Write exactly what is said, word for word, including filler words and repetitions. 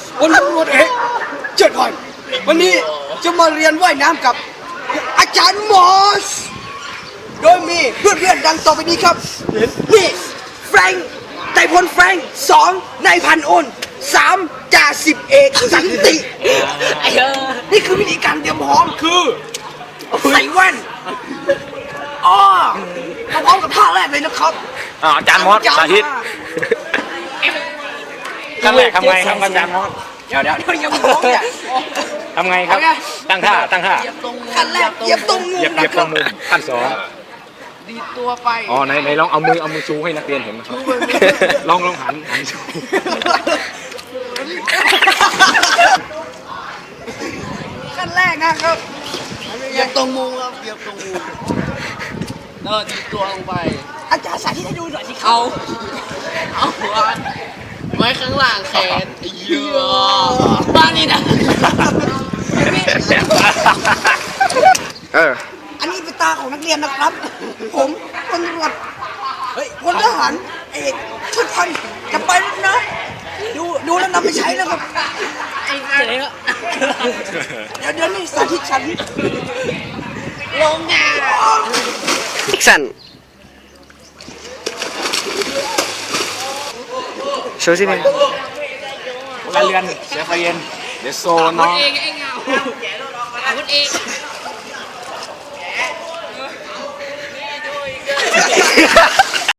พลตำรวจเอกเจิดพรวันนี้จะมาเรียนว่ายน้ำกับอาจารย์มอสโดยมีเพื่อนๆดังต่อไปนี้ครับนี่แฟรงค์ไต่พลแฟรงค์สองนายพันอ้นสามจ่าสิบเอกสันตินี่คือวิธีการเตรียมพร้อมคือใส่แว่นอ๋อมาพร้อมกับท่าแรกเลยนะครับอาจารย์มอสสาธิตขั้นแรกทำไงครับอาจารย์มอสเดี๋ยวเดี๋ยวเดี๋ยวยังไม่พร้อมเนี่ยทำไงครับตั้งท่าตั้งท่าขั้นแรกเหยียบตรงมุมเหยียบเหยียบตรงมุมขั้นสองดีตัวไปอ๋อไหนไหนลองเอามือเอามือชูให้นักเรียนเห็นนะครับลองลองหันหันชูขั้นแรกนะครับเหยียบตรงมุมครับเหยียบตรงมุมเออดีตัวลงไปอาจารย์สาธิตให้ดูหน่อยสิเอาเอาหัวไว้ข้างล่างแขนเยอะบ้านนี่นะเอออันนี้เป็นตาของนักเรียนนะครับ ผมพลตำรวจเฮ้ยพลทหารเอกชุดพันจะไปแล้วนะดูดูแล้วนำไปใช้นะครับไอ้เจ๊เดี๋ยวเดี๋ยวนี่สาธิตฉันลงงานอีกสันโชว์สิเนี่ยการเรียนเสียไฟเย็นเดี๋ยวโซนน้องเองเองเงาคนเอง